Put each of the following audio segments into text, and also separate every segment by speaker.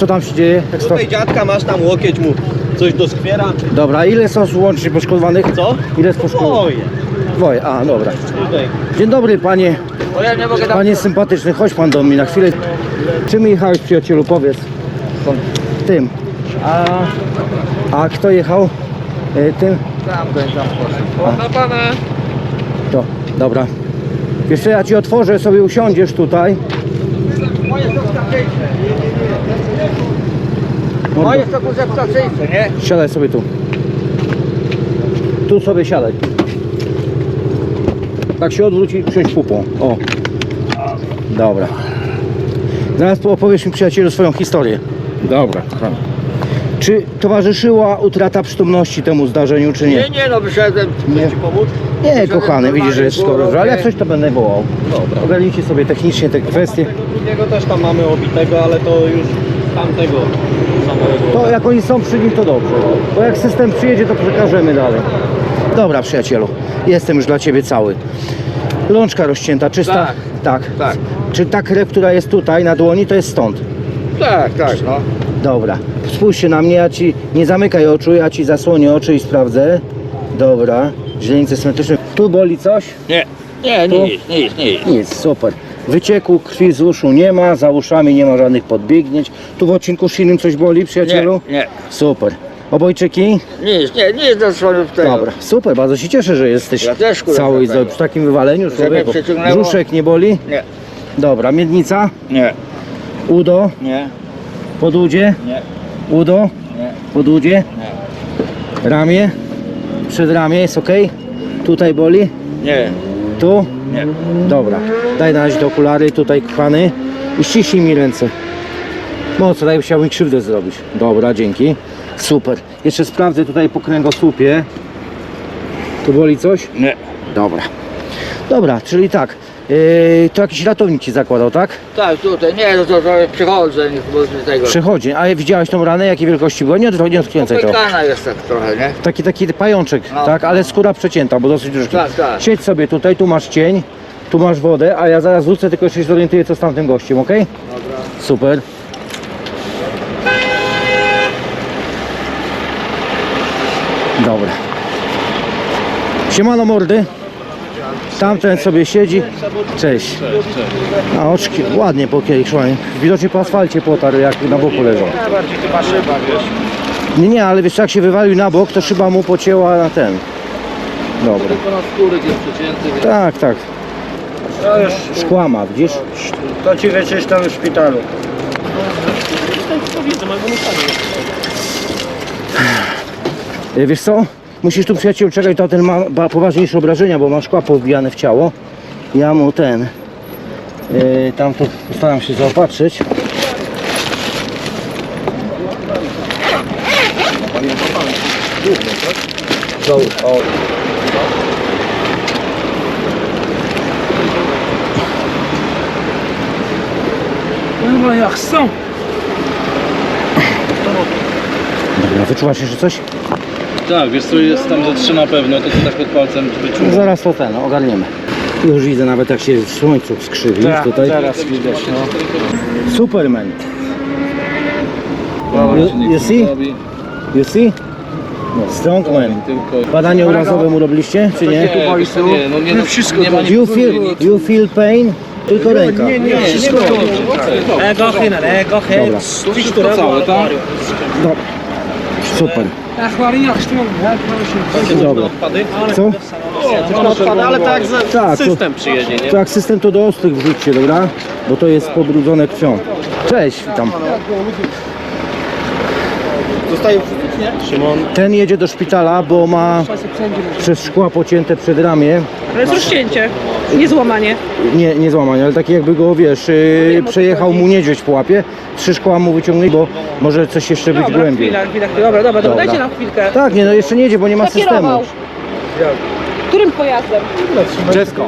Speaker 1: Co tam się dzieje?
Speaker 2: Tutaj dziadka masz, tam łokieć mu coś doskwiera.
Speaker 1: Dobra, ile są łącznie poszkodowanych?
Speaker 2: Co?
Speaker 1: Ile jest poszkodowanych? Dwoje, a dobra.
Speaker 2: Tutaj.
Speaker 1: Dzień dobry panie.
Speaker 2: O, ja nie mogę tam...
Speaker 1: Panie sympatyczny, chodź pan do mnie na chwilę. Czym jechałeś, przyjacielu, powiedz? Tym. A kto jechał? Tym?
Speaker 2: Tam poszedł. O, na pana.
Speaker 1: To, dobra. Wiesz co, ja ci otworzę, sobie usiądziesz tutaj.
Speaker 2: Moje są wstawczyńce. Moje są wstawczyńce, nie?
Speaker 1: Siadaj sobie tu. Tu sobie siadaj. Tak się odwróć i przyjdź pupą. O. Dobra. Zaraz opowiesz mi, przyjacielu, swoją historię. Dobra, kochany. Czy towarzyszyła utrata przytomności temu zdarzeniu, czy nie?
Speaker 2: Nie, no wyszedłem.
Speaker 1: Nie.
Speaker 2: Chcę ci pomóc?
Speaker 1: Nie,
Speaker 2: Wyszedłem
Speaker 1: kochany, widzisz, że jest
Speaker 2: normalnie,
Speaker 1: skoro,
Speaker 2: było
Speaker 1: ale jak
Speaker 2: robię.
Speaker 1: coś to będę wołał.
Speaker 2: Dobra.
Speaker 1: Ogarnijcie sobie technicznie te kwestie.
Speaker 2: Tego drugiego też tam mamy obitego, ale to już tamtego samego.
Speaker 1: To jak oni są przy nim, to dobrze. Bo jak system przyjedzie, to przekażemy dalej. Dobra, przyjacielu, jestem już dla ciebie cały. Lączka rozcięta, czysta?
Speaker 2: Tak.
Speaker 1: Tak.
Speaker 2: Tak.
Speaker 1: Czy ta krew, która jest tutaj na dłoni, to jest stąd?
Speaker 2: Tak, no.
Speaker 1: Dobra. Spójrzcie na mnie, ja ci nie zamykaj oczu, ja ci zasłonię oczy i sprawdzę. Dobra. Źrenice symetryczne. Tu boli coś?
Speaker 2: Nie, nic.
Speaker 1: Nic, super. Wycieku krwi z uszu nie ma, za uszami nie ma żadnych podbiegnięć. Tu w odcinku szyjnym coś boli, przyjacielu?
Speaker 2: Nie.
Speaker 1: Super. Obojczyki?
Speaker 2: Nic do swojego tego.
Speaker 1: Dobra, super, bardzo się cieszę, że jesteś
Speaker 2: Ja też, kurwa,
Speaker 1: cały i
Speaker 2: tego.
Speaker 1: przy takim wywaleniu człowieku.
Speaker 2: przeciągnęło.
Speaker 1: Brzuszek nie boli?
Speaker 2: Nie,
Speaker 1: Dobra, miednica, udo,
Speaker 2: nie,
Speaker 1: podudzie,
Speaker 2: nie,
Speaker 1: udo,
Speaker 2: nie,
Speaker 1: podudzie, ramię, przedramię jest ok? Tutaj boli?
Speaker 2: nie.
Speaker 1: Tu?
Speaker 2: Nie.
Speaker 1: Dobra, daj na razie te okulary, tutaj kochany i ściśnij mi ręce. Mocno, daj, chciałbym krzywdę zrobić. Dobra, dzięki. Super. Jeszcze sprawdzę tutaj po kręgosłupie. Tu boli coś?
Speaker 2: Nie.
Speaker 1: Dobra. Dobra, czyli tak. To jakiś ratownik ci zakładał, tak?
Speaker 2: Tak, tutaj, nie, no to przychodzę, nie z tego.
Speaker 1: Przechodzi. A widziałeś tą ranę? Jakiej wielkości była? Nie odkręcaj to.
Speaker 2: Popękana jest tak trochę, nie?
Speaker 1: Taki pajączek,
Speaker 2: No.
Speaker 1: tak? Ale skóra przecięta, bo dosyć duży.
Speaker 2: Tak, tak.
Speaker 1: Siedź sobie tutaj, tu masz cień, tu masz wodę, a ja zaraz wrócę, tylko jeszcze się zorientuję, co z tamtym gościem, ok?
Speaker 2: Dobra.
Speaker 1: Super. Dobra. Siemano mordy. Tamten sobie siedzi. Cześć. A oczki ładnie po kieliszłanie. Widocznie po asfalcie potarł, jak na boku leżał.
Speaker 2: Bardziej chyba szyba, wiesz.
Speaker 1: Nie, ale wiesz, jak się wywalił na bok, to szyba mu pocięła na ten. Dobra.
Speaker 2: Tylko na skóry jest przecięty, więc...
Speaker 1: Tak.
Speaker 3: To już,
Speaker 1: Szkła ma, widzisz?
Speaker 3: to ci wyczyszczą w szpitalu.
Speaker 1: Wiesz co? Musisz tu, przyjaciel, czekać, to ten ma poważniejsze obrażenia, bo ma szkła powbijane w ciało. Ja mu tam to postaram się zaopatrzyć.
Speaker 3: Chyba jak chcą.
Speaker 1: Dobra, wyczuwasz jeszcze coś?
Speaker 4: Tak, wiesz co, jest tam ze 3 na pewno, to tak pod palcem wyczuwam.
Speaker 1: Zaraz to ogarniemy. Już widzę nawet, jak się w słońcu skrzywi tutaj.
Speaker 3: Teraz widać, no.
Speaker 1: Superman.
Speaker 4: Dobra, się
Speaker 1: You
Speaker 4: nic
Speaker 1: see?
Speaker 4: nie robi.
Speaker 1: You see? Strong man.
Speaker 4: Tylko...
Speaker 1: Badanie urazowe mu robiliście, czy nie?
Speaker 4: Nie, no nie, no,
Speaker 3: wszystko
Speaker 4: nie ma nic.
Speaker 1: You feel pain? Tylko ręka.
Speaker 4: Nie, wszystko dobrze.
Speaker 1: Dobra.
Speaker 4: Wszystko całe, tak?
Speaker 1: Dobra. Super. Dobra. Co?
Speaker 2: Odpada, ale tak,
Speaker 1: Tak, to,
Speaker 2: system przyjedzie, nie?
Speaker 1: to jak system to do ostrych wrzućcie, dobra? Bo to jest pobrudzone krwią. Cześć, witam.
Speaker 2: Zostaje wrzucić, nie? Szymon.
Speaker 1: Ten jedzie do szpitala, bo ma przez szkła pocięte przedramię.
Speaker 5: Ale jest rozcięcie, nie złamanie.
Speaker 1: Nie złamanie, ale takie jakby go, wiesz, przejechał mu niedźwiedź po łapie. 3 szkła mu wyciągnęli, bo może coś jeszcze być
Speaker 5: Dobra,
Speaker 1: głębiej.
Speaker 5: chwila. Dobra, dajcie nam chwilkę.
Speaker 1: Tak, nie, no jeszcze nie jedzie, bo nie ma
Speaker 5: Kto
Speaker 1: systemu.
Speaker 5: kierował? Którym pojazdem?
Speaker 1: Dziecko.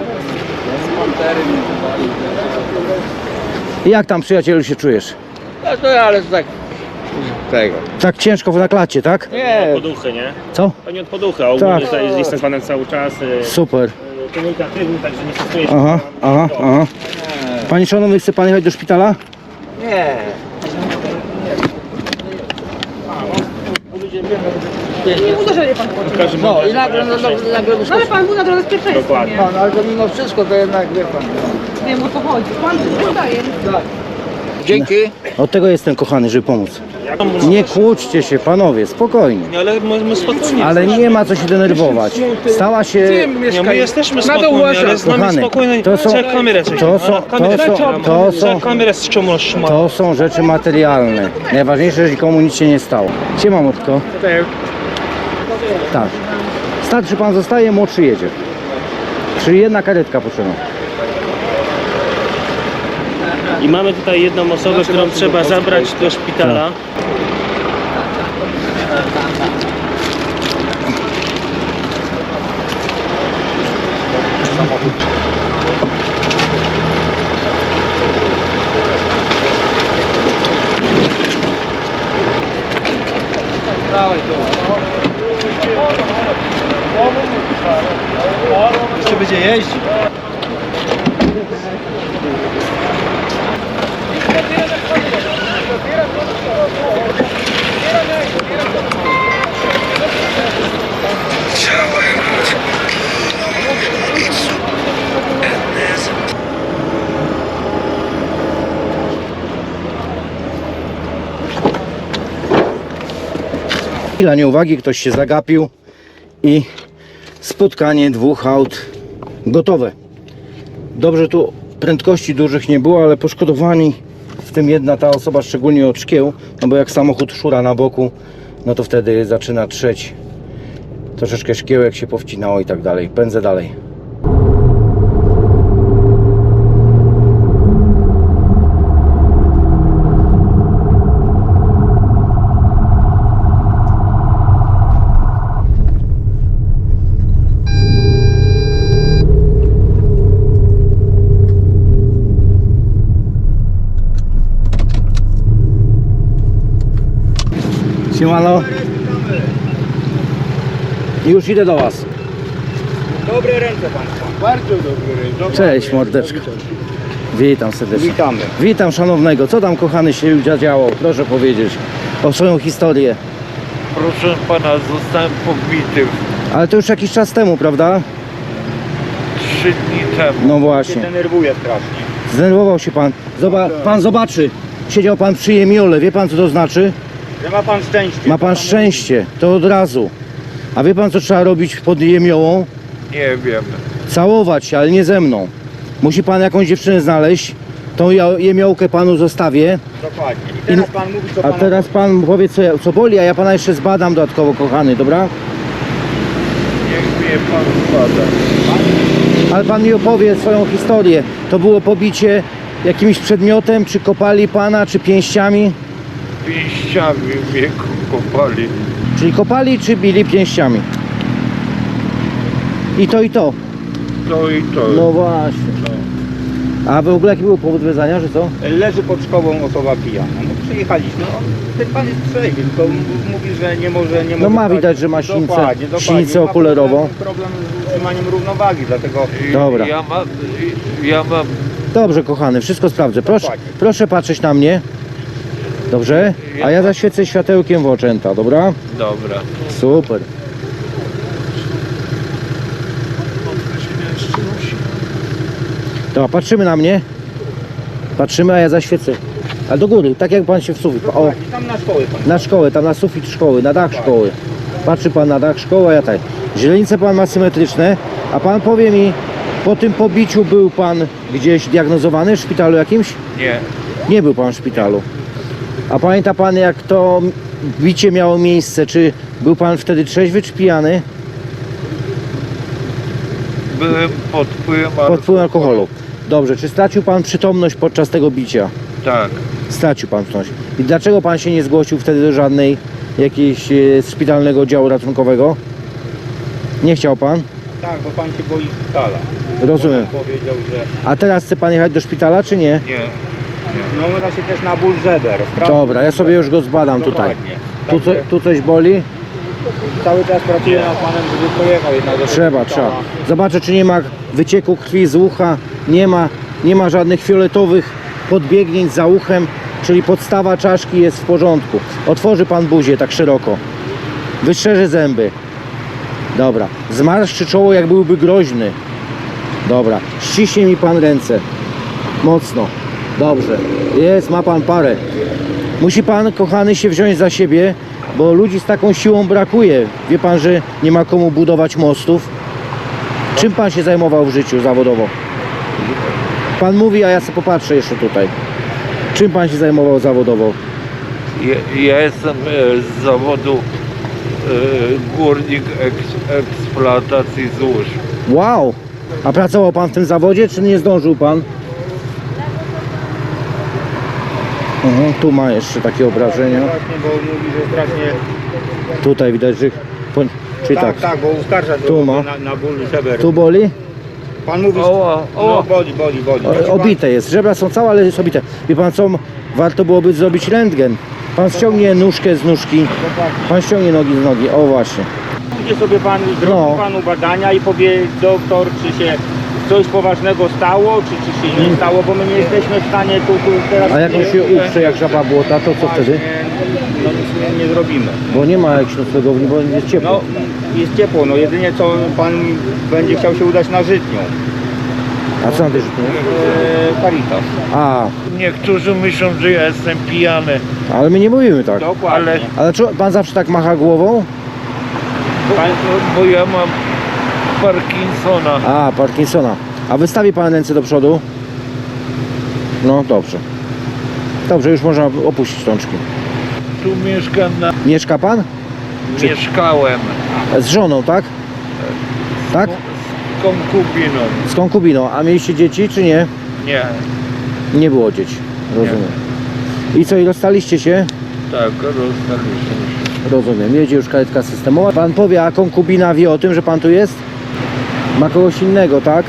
Speaker 1: Jak tam, przyjacielu, się czujesz?
Speaker 2: No to ale tak... Tego.
Speaker 1: Tak ciężko na klacie, tak?
Speaker 2: Nie,
Speaker 6: Poduchy, nie?
Speaker 1: Co?
Speaker 6: Pani od poducha, ogólnie
Speaker 1: Tak.
Speaker 6: tutaj jestem z panem cały czas.
Speaker 1: Super.
Speaker 6: Komunikatywny, także nie stosuje się.
Speaker 1: Aha. Panie szanowny, chce pan jechać do szpitala?
Speaker 2: nie.
Speaker 5: Nie uderzenie pan chodzi.
Speaker 3: No i nagle
Speaker 5: No ale pan był na drodze z pierwszeństwa,
Speaker 6: Dokładnie.
Speaker 5: nie?
Speaker 3: pan, ale to mimo wszystko to jednak wie pan.
Speaker 5: Wiem o co chodzi. Pan wydaje.
Speaker 3: Dzięki.
Speaker 1: Od tego jestem, kochany, żeby pomóc. Nie kłóćcie się, panowie, spokojnie.
Speaker 2: Ale my spokojni.
Speaker 1: Ale nie ma co się denerwować. Stała się...
Speaker 2: Nie, my jesteśmy spokojni, ale z nami
Speaker 1: Kochany,
Speaker 2: spokojnie.
Speaker 1: to są-
Speaker 2: Trzeba kamerę coś. Kamerę z czemu roztrzyma?
Speaker 1: To są rzeczy materialne. Najważniejsze, że nikomu nic się nie stało. Siema, Mordko. Tak. Starszy pan zostaje, młodszy jedzie. Czyli jedna karetka potrzebna.
Speaker 6: I mamy tutaj jedną osobę, którą trzeba zabrać do szpitala.
Speaker 3: Jeszcze będzie jeździć.
Speaker 1: Chwila nieuwagi, ktoś się zagapił i spotkanie dwóch aut gotowe. Dobrze, tu prędkości dużych nie było, ale poszkodowani, w tym jedna ta osoba szczególnie od szkieł, no bo jak samochód szura na boku, no to wtedy zaczyna trzeć. Troszeczkę szkiełek się powcinało i tak dalej. Pędzę dalej. Siemano. Już idę do was.
Speaker 3: Dobre ręce państwa. Bardzo dobre ręce.
Speaker 1: Cześć, mordeczko. Witam serdecznie.
Speaker 3: Witamy.
Speaker 1: Witam szanownego. Co tam, kochany, się działo? Proszę powiedzieć o swoją historię.
Speaker 7: Proszę pana, zostałem pobity
Speaker 1: Ale to już jakiś czas temu, prawda?
Speaker 7: 3 dni temu.
Speaker 1: No właśnie.
Speaker 3: Denerwuje strasznie.
Speaker 1: Zdenerwował się pan. Pan zobaczy. Siedział pan przy jemiole. Wie pan, co to znaczy?
Speaker 3: Że ma pan szczęście.
Speaker 1: Ma pan szczęście. To od razu. A wie pan, co trzeba robić pod jemiołą?
Speaker 7: Nie wiem.
Speaker 1: Całować się, ale nie ze mną. Musi pan jakąś dziewczynę znaleźć. Tą jemiołkę panu zostawię.
Speaker 3: Dokładnie. I teraz pan mówi, co
Speaker 1: A
Speaker 3: pana...
Speaker 1: teraz pan powie, co boli, a ja pana jeszcze zbadam dodatkowo, kochany, dobra?
Speaker 7: Niech mnie pan zbada.
Speaker 1: Ale pan mi opowie swoją historię. To było pobicie jakimś przedmiotem, czy kopali pana, czy pięściami?
Speaker 7: Pięściami mnie kopali.
Speaker 1: Czyli kopali, czy bili pięściami? I to, i to.
Speaker 7: To i to.
Speaker 1: No właśnie. A w ogóle jaki był powód wezwania, że co?
Speaker 3: Leży pod szkołą osoba pijana. No przyjechaliśmy. No, ten pan jest trzeźwy, tylko mówi, że nie może...
Speaker 1: No ma widać, że ma sinicę,
Speaker 3: Dokładnie.
Speaker 1: sinicę
Speaker 3: Ma
Speaker 1: okulerową.
Speaker 3: problem z utrzymaniem równowagi, dlatego...
Speaker 1: Dobra.
Speaker 7: Ja mam...
Speaker 1: Dobrze, kochany, wszystko sprawdzę. Proszę,
Speaker 3: Dokładnie.
Speaker 1: proszę patrzeć na mnie. Dobrze? A ja zaświecę światełkiem w oczęta, dobra?
Speaker 7: Dobra.
Speaker 1: Super. Dobra, patrzymy na mnie. Patrzymy, a ja zaświecę. A do góry, tak jak pan się w sufit. O,
Speaker 3: Dokładnie, tam na szkołę pan.
Speaker 1: na szkołę, tam na sufit szkoły, na dach szkoły. Patrzy pan na dach szkoły, a ja tak. Źrenice pan ma symetryczne, a pan powie mi, po tym pobiciu był pan gdzieś diagnozowany w szpitalu jakimś?
Speaker 7: Nie.
Speaker 1: Nie był pan w szpitalu. A pamięta pan, jak to bicie miało miejsce? Czy był pan wtedy trzeźwy, czy pijany?
Speaker 7: Byłem pod wpływem
Speaker 1: Pod wpływem alkoholu. Dobrze, czy stracił pan przytomność podczas tego bicia?
Speaker 7: Tak.
Speaker 1: Stracił pan przytomność. I dlaczego pan się nie zgłosił wtedy do żadnej jakiejś szpitalnego oddziału ratunkowego? Nie chciał pan?
Speaker 3: Tak, bo pan się boi szpitala.
Speaker 1: Rozumiem.
Speaker 3: Powiedział, że...
Speaker 1: A teraz chce pan jechać do szpitala, czy nie?
Speaker 7: Nie.
Speaker 3: No uda się też na ból żeber.
Speaker 1: Dobra, ja sobie już go zbadam tutaj.
Speaker 3: Dokładnie.
Speaker 1: Tu coś boli?
Speaker 3: Cały czas pracuję nad panem, żeby pojechał jednak do
Speaker 1: Trzeba.
Speaker 3: szpitala.
Speaker 1: Zobaczę, czy nie ma wycieku krwi z ucha, nie ma żadnych fioletowych podbiegnięć za uchem, czyli podstawa czaszki jest w porządku. Otworzy pan buzię tak szeroko. Wytrzeże zęby. Dobra. Zmarszczy czoło, jak byłby groźny. Dobra. Ściśnie mi pan ręce. Mocno. Dobrze. Jest, ma pan parę. Musi pan, kochany, się wziąć za siebie, bo ludzi z taką siłą brakuje. Wie pan, że nie ma komu budować mostów? Czym pan się zajmował w życiu zawodowo? Pan mówi, a ja sobie popatrzę jeszcze tutaj. Czym pan się zajmował zawodowo?
Speaker 7: Ja jestem z zawodu górnik eksploatacji złóż.
Speaker 1: Wow! A pracował pan w tym zawodzie, czy nie zdążył pan? Tu ma jeszcze takie obrażenia.
Speaker 3: Właśnie, bo mówi, że strasznie...
Speaker 1: Tutaj widać, że... Czyli tak,
Speaker 3: Tak, bo uskarża się
Speaker 1: Tu ma.
Speaker 3: na ból żeber.
Speaker 1: tu boli?
Speaker 3: Pan mówi, no boli.
Speaker 1: Obite jest, żebra są całe, ale jest obite. Wie pan co, warto byłoby zrobić rentgen. Pan ściągnie nóżkę z nóżki, pan ściągnie nogi z nogi, o właśnie.
Speaker 3: Pójdzie sobie pan, zrobi
Speaker 1: No.
Speaker 3: panu badania i powie doktor, czy się coś poważnego stało, czy się nie stało, bo my nie jesteśmy w stanie tu teraz...
Speaker 1: A jak on się uprze jak żaba błota, to co wtedy?
Speaker 3: No nic nie zrobimy.
Speaker 1: Bo nie ma jakiejś noclegowni, bo jest ciepło.
Speaker 3: No, jest ciepło, no jedynie co pan będzie chciał się udać na Żytnią.
Speaker 1: A co na tej żytni?
Speaker 3: Caritas.
Speaker 1: A,
Speaker 7: Niektórzy myślą, że ja jestem pijany.
Speaker 1: ale my nie mówimy tak.
Speaker 3: Dokładnie.
Speaker 1: Ale czy pan zawsze tak macha głową?
Speaker 7: Bo ja mam Parkinsona.
Speaker 1: A, Parkinsona. A wystawi pan ręce do przodu? No, dobrze. Dobrze, już można opuścić rączki.
Speaker 7: Tu mieszkam
Speaker 1: Mieszka pan?
Speaker 7: Mieszkałem
Speaker 1: Z żoną, tak? Tak?
Speaker 7: z konkubiną.
Speaker 1: Z konkubiną. A mieliście dzieci, czy nie?
Speaker 7: Nie,
Speaker 1: Nie było dzieci. Rozumiem. I co, i rozstaliście się?
Speaker 7: tak, rozstaliśmy się.
Speaker 1: Rozumiem. Jedzie już karetka systemowa. Pan powie, a konkubina wie o tym, że pan tu jest? Ma kogoś innego, tak?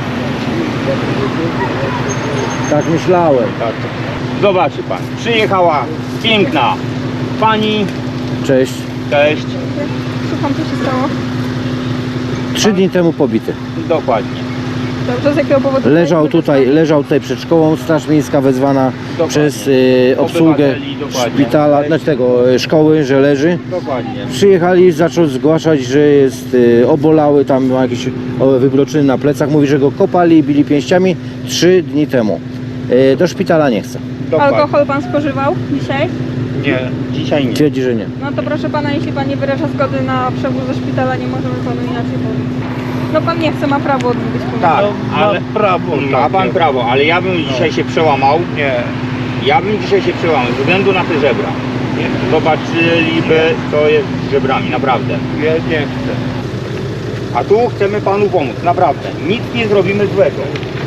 Speaker 1: Tak myślałem.
Speaker 3: Tak. Zobaczy pan, przyjechała piękna pani,
Speaker 1: Cześć.
Speaker 3: cześć,
Speaker 5: Słucham, co się stało?
Speaker 1: 3 dni temu pobity.
Speaker 3: dokładnie.
Speaker 5: Dobrze, z jakiego powodu?
Speaker 1: Leżał tutaj przed szkołą, Straż Miejska wezwana
Speaker 3: Dokładnie.
Speaker 1: przez obsługę
Speaker 3: Obywateli, dokładnie.
Speaker 1: szpitala, znaczy tego szkoły, że leży.
Speaker 3: Dokładnie.
Speaker 1: Przyjechali, zaczął zgłaszać, że jest obolały, tam ma jakieś wybroczyny na plecach. Mówi, że go kopali i bili pięściami 3 dni temu. Do szpitala nie chce.
Speaker 3: Dokładnie.
Speaker 5: Alkohol pan spożywał dzisiaj?
Speaker 7: Nie,
Speaker 3: Dzisiaj nie.
Speaker 1: Twierdzi, że nie.
Speaker 5: No to proszę pana, jeśli pan nie wyraża zgody na przewóz do szpitala, nie możemy panu inaczej powiedzieć. No pan nie chce, ma prawo odmówić pomocy.
Speaker 3: Tak,
Speaker 7: ale prawo
Speaker 3: ma pan prawo, ale ja bym dzisiaj się przełamał.
Speaker 7: Nie,
Speaker 3: Ja bym dzisiaj się przełamał ze względu na te żebra. Zobaczyliby, co jest z żebrami, naprawdę.
Speaker 7: ja nie chcę.
Speaker 3: A tu chcemy panu pomóc, naprawdę. Nic nie zrobimy złego.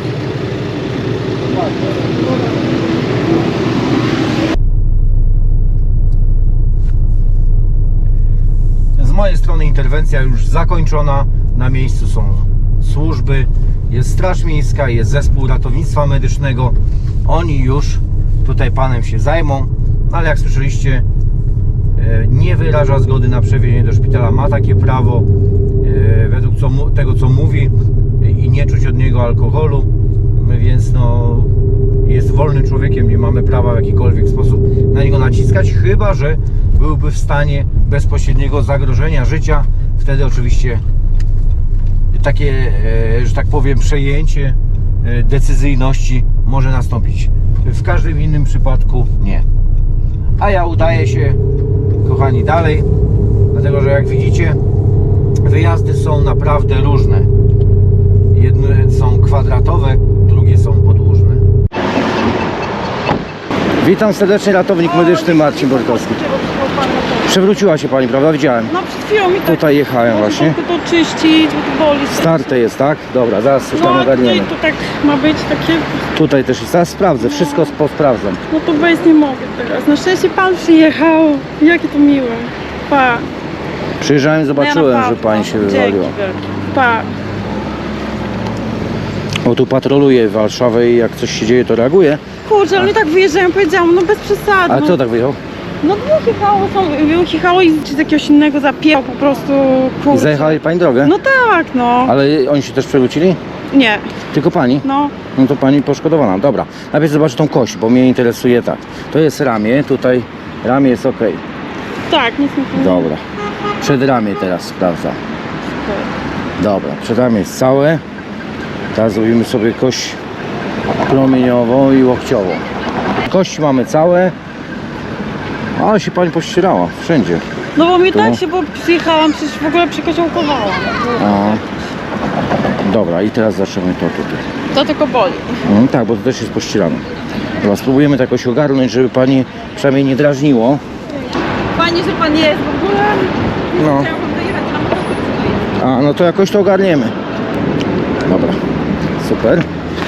Speaker 1: Z mojej strony interwencja już zakończona. Na miejscu są służby, jest Straż Miejska, jest zespół ratownictwa medycznego. Oni już tutaj panem się zajmą, ale jak słyszeliście, nie wyraża zgody na przewiezienie do szpitala. Ma takie prawo według tego, co mówi, i nie czuć od niego alkoholu, więc no, jest wolnym człowiekiem, nie mamy prawa w jakikolwiek sposób na niego naciskać, chyba że byłby w stanie bezpośredniego zagrożenia życia. Wtedy oczywiście takie, że tak powiem, przejęcie decyzyjności może nastąpić. W każdym innym przypadku nie. A ja udaję się, kochani, dalej, dlatego że jak widzicie, wyjazdy są naprawdę różne. Jedne są kwadratowe, drugie są podłużne. Witam serdecznie, ratownik medyczny Marcin Borkowski. Przewróciła się pani, prawda? Widziałem.
Speaker 5: No przed chwilą mi tak...
Speaker 1: Tutaj jechałem właśnie.
Speaker 5: Tylko to czyścić, bo to boli.
Speaker 1: Starte jest, tak? Dobra, zaraz coś tam
Speaker 5: No
Speaker 1: ogarniemy.
Speaker 5: tutaj to tak ma być takie...
Speaker 1: Tutaj też jest, zaraz sprawdzę, wszystko posprawdzam.
Speaker 5: No to bez nie mogę teraz. Na szczęście pan przyjechał. Jakie to miłe. Pa.
Speaker 1: Przyjrzałem, zobaczyłem,
Speaker 5: Ja na
Speaker 1: że
Speaker 5: pewno.
Speaker 1: pani się
Speaker 5: Dzięki
Speaker 1: wywaliła.
Speaker 5: wielkie. Pa.
Speaker 1: O, tu patroluję Warszawę i jak coś się dzieje, to reaguje.
Speaker 5: Kurczę, ale tak wyjeżdżają, powiedziałam, no bez przesady.
Speaker 1: A
Speaker 5: no.
Speaker 1: co tak wyjechał?
Speaker 5: No wyjechało i z jakiegoś innego zapięło po prostu,
Speaker 1: I
Speaker 5: kurczę.
Speaker 1: zajechali pani drogę?
Speaker 5: No tak, no.
Speaker 1: Ale oni się też przewrócili?
Speaker 5: Nie,
Speaker 1: Tylko pani?
Speaker 5: no.
Speaker 1: No to pani poszkodowana, dobra. Najpierw zobaczę tą kość, bo mnie interesuje tak. To jest ramię, tutaj ramię jest ok.
Speaker 5: Tak, nic nie powiem.
Speaker 1: Dobra. Przedramię teraz sprawdzam. Dobra, przedramię jest całe. Teraz zrobimy sobie kość promieniową i łokciową. Kości mamy całe. Ale się pani pościerała wszędzie.
Speaker 5: No bo mi
Speaker 1: Tu?
Speaker 5: tak się, bo przyjechałam, przecież w ogóle przykoziołkowałam.
Speaker 1: A. Dobra, i teraz zaczniemy to tutaj.
Speaker 5: To tylko boli.
Speaker 1: Tak, bo to też jest pościerane. Dobra, spróbujemy to jakoś ogarnąć, żeby pani przynajmniej nie drażniło.
Speaker 5: Fajnie, że pan jest w ogóle.
Speaker 1: No.
Speaker 5: Chciałam dojechać na motocyklu.
Speaker 1: A, no to jakoś to ogarniemy. Dobra, super.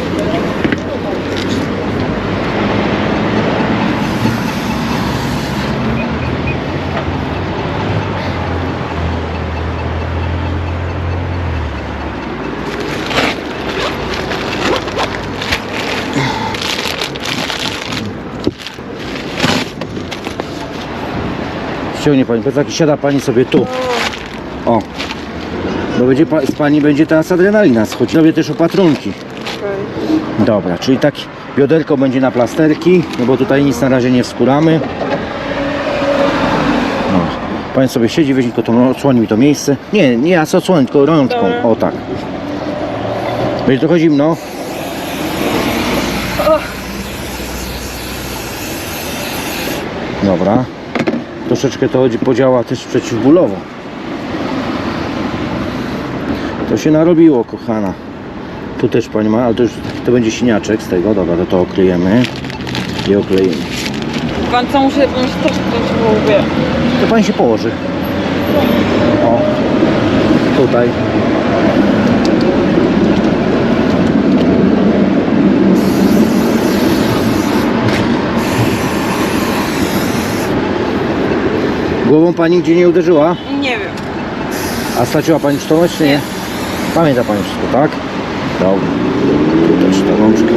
Speaker 1: Ściągnie pani plecaki, siada pani sobie tu. O. Bo będzie z pani będzie teraz adrenalina schodzić. Robię też opatrunki. Dobra, czyli tak bioderko będzie na plasterki, no bo tutaj nic na razie nie wskóramy. No. Pani sobie siedzi, weźmie tylko to, odsłoni mi to miejsce. Nie, ja co odsłonię, tylko rączką.
Speaker 5: Dobra.
Speaker 1: O tak. Będzie trochę zimno. Dobra. Troszeczkę to podziała też przeciwbólowo. To się narobiło, kochana. Tu też pani ma, ale to będzie siniaczek z tego. Dobra, to okryjemy i okleimy.
Speaker 5: Pan co, muszę też wziąć w łbie.
Speaker 1: To pani się położy. O, tutaj. Głową pani gdzie nie uderzyła?
Speaker 5: Nie wiem.
Speaker 1: A straciła pani przytomność, czy nie? Pamięta pani wszystko, tak? Dobra. Tu też ta rączka.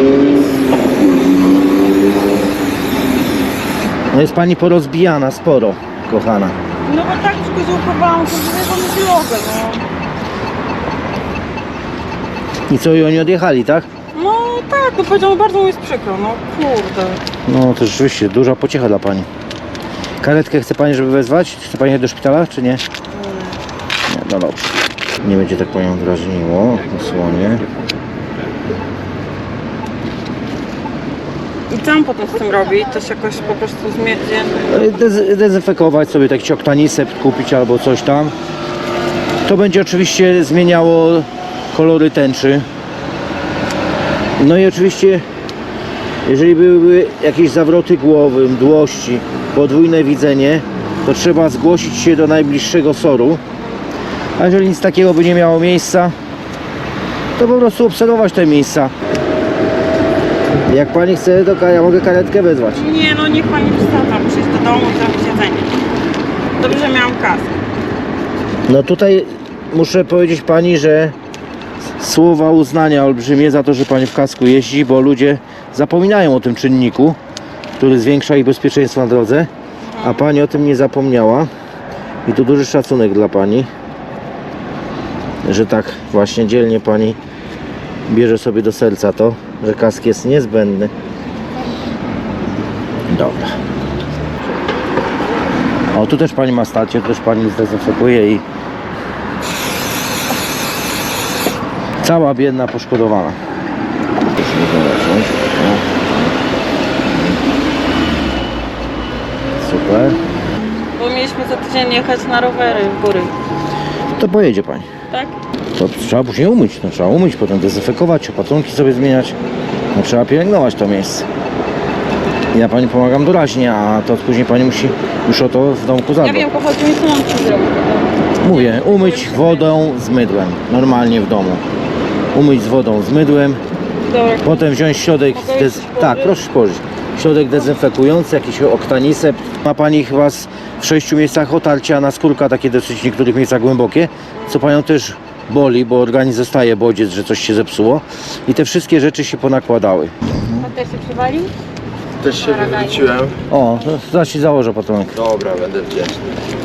Speaker 1: No jest pani porozbijana sporo, kochana.
Speaker 5: No bo tak przykoziołkowałam, to nie drogę, no.
Speaker 1: I co, i oni odjechali, tak?
Speaker 5: No tak, no powiedział, bardzo mi jest przykro, no kurde.
Speaker 1: No to rzeczywiście duża pociecha dla pani. Karetkę chce pani, żeby wezwać? Chce pani jechać do szpitala, czy nie? Nie, no dobrze. Nie będzie tak panią drażniło, osłonie.
Speaker 5: I co on potem z tym robi? To się jakoś po prostu zmierzy?
Speaker 1: Dezynfekować sobie taki oktanisept kupić albo coś tam. To będzie oczywiście zmieniało kolory tęczy. No i oczywiście jeżeli były jakieś zawroty głowy, mdłości, podwójne widzenie, to trzeba zgłosić się do najbliższego SOR-u. A jeżeli nic takiego by nie miało miejsca, to po prostu obserwować te miejsca. Jak pani chce, to ja mogę karetkę wezwać.
Speaker 5: Nie, no niech pani wsadza, muszę iść do domu i zrobić jedzenie. Dobrze, że miałam kask.
Speaker 1: No tutaj muszę powiedzieć pani, że słowa uznania olbrzymie za to, że pani w kasku jeździ, bo ludzie zapominają o tym czynniku, który zwiększa ich bezpieczeństwo na drodze, a pani o tym nie zapomniała. I tu duży szacunek dla pani, że tak właśnie dzielnie pani bierze sobie do serca to, że kask jest niezbędny. Dobra. O, tu też pani ma stację, tu też pani zdezynfekuje i cała biedna poszkodowana. Super.
Speaker 5: Bo mieliśmy za tydzień jechać na rowery w góry,
Speaker 1: To pojedzie pani.
Speaker 5: tak?
Speaker 1: To trzeba później umyć. No, trzeba umyć, potem dezynfekować, opatrunki sobie zmieniać. No, trzeba pielęgnować to miejsce. Ja pani pomagam doraźnie, a to później pani musi już o to w domku
Speaker 5: Ja
Speaker 1: zadbać.
Speaker 5: wiem, pochodzi mi co mam ci zrobić.
Speaker 1: Mówię, umyć wodą z mydłem. Normalnie w domu. Umyć z wodą z mydłem.
Speaker 5: Dobra.
Speaker 1: Potem wziąć środek,
Speaker 5: Mogę już
Speaker 1: tak,
Speaker 5: położyć?
Speaker 1: proszę położyć. Środek dezynfekujący, jakiś oktanisept. Ma pani chyba w 6 miejscach otarcia na skórka, takie dosyć w niektórych miejscach głębokie, co panią też boli, bo organizm zostaje bodziec, że coś się zepsuło. I te wszystkie rzeczy się ponakładały.
Speaker 5: A też się przywalił?
Speaker 7: Też się wywróciłem.
Speaker 1: O, to zaraz ci założę patonek.
Speaker 7: Dobra, będę wdzięczny.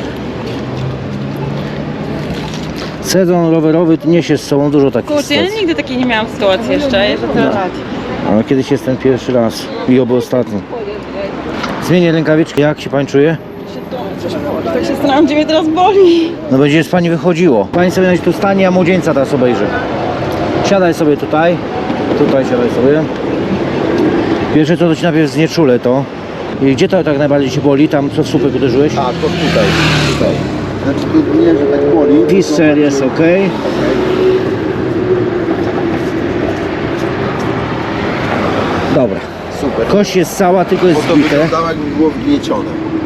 Speaker 1: Sezon rowerowy niesie z sobą dużo takich
Speaker 5: Kurczę, ja
Speaker 1: sytuacji.
Speaker 5: nigdy takiej nie miałam sytuacji jeszcze, że tyle lat.
Speaker 1: Ale kiedyś jest ten pierwszy raz i oby ostatni. Zmienię rękawiczki. Jak się pani czuje?
Speaker 5: coś boli. Tak się zastanawiam, gdzie mnie teraz boli.
Speaker 1: No będzie z pani wychodziło. Pani sobie nawet tu stanie, a młodzieńca teraz obejrzy. Siadaj sobie tutaj. Tutaj siadaj sobie. Pierwsze co to ci najpierw znieczulę to. I gdzie to tak najbardziej ci boli? Tam co w słupek uderzyłeś?
Speaker 7: A, to tutaj. Znaczy tu nie, że tak boli.
Speaker 1: Piscer jest ok. Dobra.
Speaker 7: Super.
Speaker 1: Kość jest cała, tylko
Speaker 7: Bo
Speaker 1: jest
Speaker 7: to
Speaker 1: zbite.
Speaker 7: wyglądało jakby było wgniecione.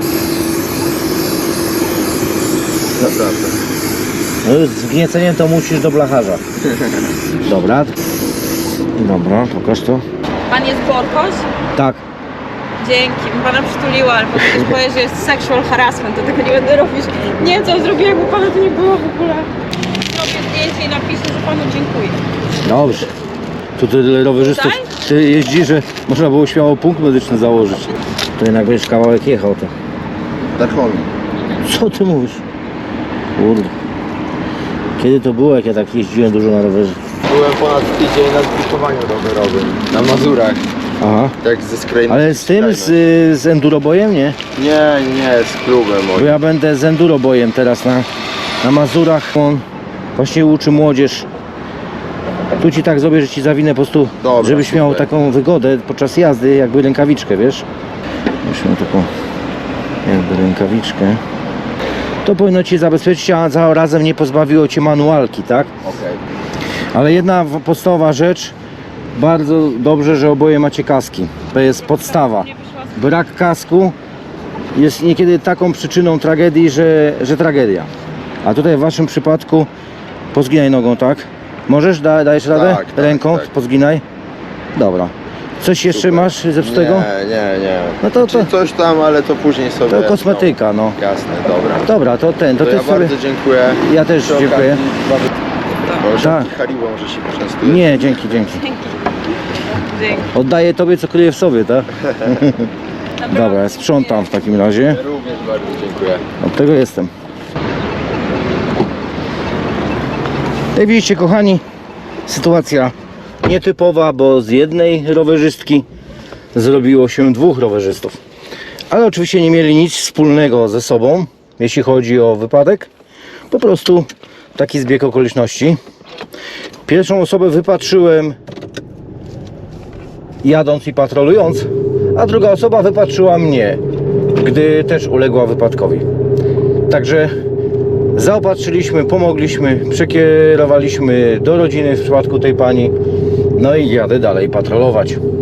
Speaker 7: Naprawdę.
Speaker 1: No, z wgnieceniem to musisz do blacharza. Dobra. Dobra, pokaż to.
Speaker 5: Pan jest Borkoś?
Speaker 1: Tak.
Speaker 5: Dzięki, bym pana przytuliła, ale potem ktoś powie, że jest sexual harassment, to tego nie będę robić. Nie wiem, co zrobiłem, bo pana tu nie było w ogóle. Zrobię zdjęcie i napiszę, że panu dziękuję.
Speaker 1: Dobrze. Tu tyle rowerzystów jeździ, że można było śmiało punkt medyczny założyć. To jednak będziesz kawałek jechał to.
Speaker 7: Darchomi.
Speaker 1: Co ty mówisz? Kurde. Kiedy to było, jak ja tak jeździłem dużo na rowerze?
Speaker 7: Byłem ponad tydzień na zbudowaniu rowerowym. Na Mazurach.
Speaker 1: Aha.
Speaker 7: Tak ze skrajnym.
Speaker 1: Ale z tym, z endurobojem, nie?
Speaker 7: Nie, z klubem
Speaker 1: Bo
Speaker 7: moim.
Speaker 1: ja będę z endurobojem teraz na Mazurach. On właśnie uczy młodzież. Tu ci tak zrobię, że ci zawinę po prostu,
Speaker 7: Dobra,
Speaker 1: żebyś miał
Speaker 7: super.
Speaker 1: taką wygodę podczas jazdy, jakby rękawiczkę, wiesz? Już miał taką jakby rękawiczkę. To powinno ci zabezpieczyć, a zarazem nie pozbawiło cię manualki, tak?
Speaker 7: Okej.
Speaker 1: Ale jedna podstawowa rzecz, bardzo dobrze, że oboje macie kaski. To jest podstawa. Brak kasku jest niekiedy taką przyczyną tragedii, że tragedia. A tutaj w waszym przypadku pozginaj nogą, tak? Możesz? Dajesz radę?
Speaker 7: Tak,
Speaker 1: Ręką
Speaker 7: tak.
Speaker 1: pozginaj. Dobra. Coś jeszcze
Speaker 7: Super.
Speaker 1: masz zepsutego?
Speaker 7: Nie.
Speaker 1: No to
Speaker 7: Czyli coś tam, ale to później sobie.
Speaker 1: to kosmetyka, no.
Speaker 7: Jasne, dobra.
Speaker 1: Dobra, to ten, to
Speaker 7: To
Speaker 1: ty
Speaker 7: ja
Speaker 1: sobie...
Speaker 7: bardzo dziękuję.
Speaker 1: Ja też
Speaker 7: Przy
Speaker 1: dziękuję.
Speaker 7: okazji
Speaker 1: Tak.
Speaker 7: tak. Haribo może się poczęstuje.
Speaker 1: Nie, dzięki.
Speaker 5: Dzięki.
Speaker 1: Oddaję tobie, co kryje w sobie, tak? Dobra, ja sprzątam w takim razie.
Speaker 7: Ja również bardzo dziękuję.
Speaker 1: Od tego jestem. Jak widzicie, kochani, sytuacja nietypowa, bo z jednej rowerzystki zrobiło się dwóch rowerzystów. Ale oczywiście nie mieli nic wspólnego ze sobą, jeśli chodzi o wypadek. Po prostu taki zbieg okoliczności. Pierwszą osobę wypatrzyłem jadąc i patrolując, a druga osoba wypatrzyła mnie, gdy też uległa wypadkowi. Także zaopatrzyliśmy, pomogliśmy, przekierowaliśmy do rodziny w przypadku tej pani. No i jadę dalej patrolować.